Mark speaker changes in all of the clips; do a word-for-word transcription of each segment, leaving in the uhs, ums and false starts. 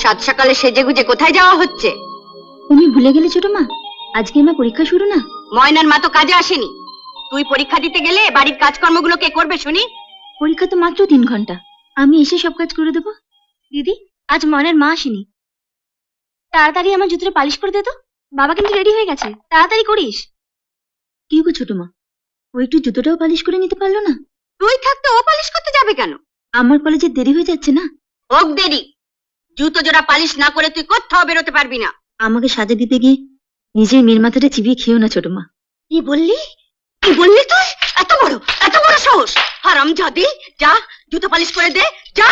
Speaker 1: সাত সকালে সেজে গুজে কোথায় যাওয়া হচ্ছে?
Speaker 2: তুমি ভুলে গেলে ছোট মা, আজকে আমার পরীক্ষা শুরু না?
Speaker 1: ময়নার মা তো কাজে আসেনি, তুই পরীক্ষা দিতে গেলে বাড়ির কাজকর্মগুলো কে করবে শুনি?
Speaker 2: পরীক্ষা তো মাত্র তিন ঘন্টা, আমি এসে সব কাজ করে দেবো। দিদি, আজ ময়নার মা আসেনি, তাড়াতাড়ি আমার জুতোটা পালিশ করে দে তো। বাবা কিন্তু রেডি হয়ে গেছে, তাড়াতাড়ি করিস। কি গো ছোট মা, ও একটু জুতোটাও পালিশ করে নিতে পারলো না?
Speaker 1: তুই থাকতে ও পালিশ করতে যাবে কেন?
Speaker 2: আমার কলেজে দেরি হয়ে যাচ্ছে না।
Speaker 1: হোক দেরি, জুতো জোড়া পালিশ না করে তুই কোথাও বেরোতে পারবি না।
Speaker 2: আমাকে সাজা দিতে গিয়ে নিজের মেয়ের মাথাটা চিবিয়ে খেও না ছোট মা।
Speaker 1: কি বললি? কি বললি তুই? এত বড় এত বড় সাহস! হারামজাদি, যা জুতো পালিশ করে দে, যা।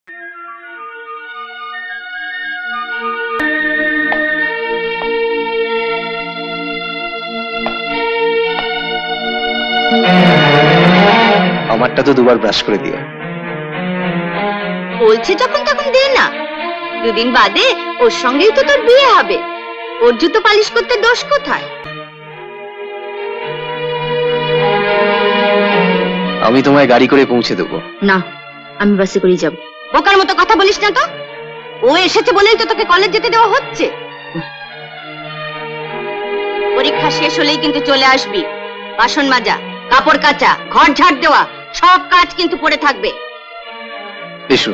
Speaker 3: আমারটা তো দুবার ব্রাশ করে দিও।
Speaker 1: বলছে যখন তখন দে না, দুদিন বাদে ওর সঙ্গেই তো তোর বিয়ে হবে, ওর জুতো পালিশ করতে দোষ কোথায়?
Speaker 3: আমি তোমায় গাড়ি করে পৌঁছে দেবো।
Speaker 2: না, আমি বাসে করেই যাব।
Speaker 1: বোকার মতো কথা বলিস না তো, ও এসেছে বলেই তো তোকে কলেজ যেতে দেওয়া হচ্ছে। পরীক্ষা শেষ হলেই কিন্তু চলে আসবি। বাসন মাজা, কাপড় কাচা, ঘর ঝাড় দেওয়া, সব কাজ কিন্তু পড়ে থাকবে।
Speaker 3: এসো।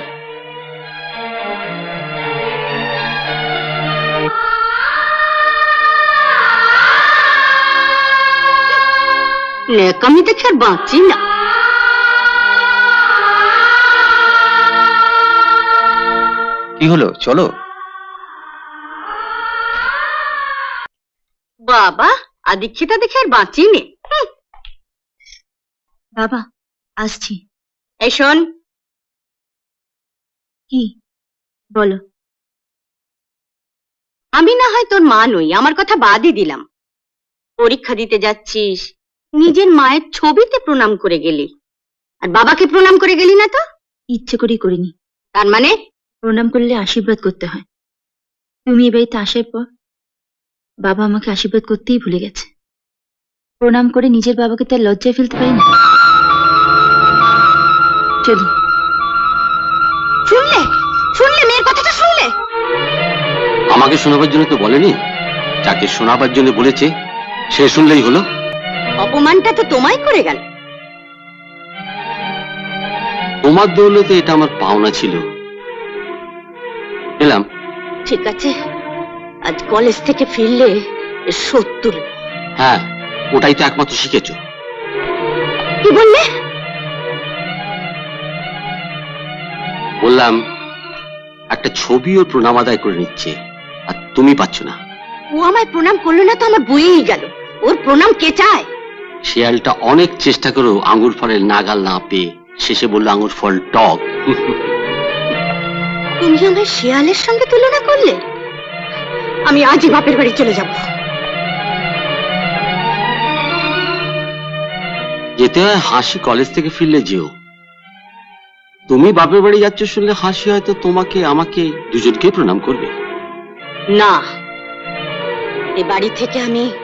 Speaker 1: নেকামি দেখে আর বাঁচি না।
Speaker 3: কি হলো, চলো।
Speaker 1: বাবা, আদিক্ষিতা দেখে আর বাঁচি নে।
Speaker 2: বাবা, আসছি।
Speaker 1: এই শোন।
Speaker 2: কি বলো?
Speaker 1: আমি না হয় তোর মা নই, আমার কথা বাদই দিলাম। পরীক্ষা দিতে যাচ্ছিস, নিজের মায়ের ছবিতে প্রণাম করে গেলি, আর বাবাকে প্রণাম করে গেলি না তো?
Speaker 2: ইচ্ছে করেই করিনি।
Speaker 1: তার মানে?
Speaker 2: প্রণাম করলে আশীর্বাদ করতে হয়। তুমি এ বাড়িতে আসার পর বাবা আমাকে আশীর্বাদ করতেই ভুলে গেছে। প্রণাম করে নিজের বাবাকে তার লজ্জায় ফেলতে পারি না। চলি।
Speaker 1: শুনলে শুনলে মেয়ের কথাটা শুনলে?
Speaker 4: আমাকে শোনাবার জন্য তো বলেনি, যাকে শোনাবার জন্য বলেছে সে শুনলেই হলো।
Speaker 1: অপমানটা তো তোমায় করে গেল।
Speaker 4: তোমার দৌলতে এটা আমার পাওনা ছিল, এলাম।
Speaker 1: ঠিক আছে, আজ কলেজ থেকে ফিরলে সত্তর।
Speaker 4: হ্যাঁ, ওটাই তো একমাত্র শিখেছ।
Speaker 1: কি বললে?
Speaker 4: বললাম একটা ছবি ও প্রণাম আদায় করে নিচ্ছে, আর তুমি পাচ্ছ না।
Speaker 1: ও আমায় প্রণাম করলো না তো আমার বইয়েই গেল। ওর প্রণাম কে চায়?
Speaker 4: শিয়ালটা অনেক চেষ্টা করেও আঙ্গুর ফলের নাগাল না পেয়ে শেষে বললো আঙ্গুর ফল টক।
Speaker 1: তুমি আমায় শিয়ালের সঙ্গে তুলনা করলে? আমি আজই বাপের বাড়ি চলে যাব।
Speaker 4: যেতে হয় হাসি কলেজ থেকে ফিরলে যেও। তুমি বাপের বাড়ি যাচ্ছ শুনলে হাসি হয়তো তোমাকে আমাকে দুজনকে প্রণাম করবে।
Speaker 1: না, এ বাড়ি থেকে আমি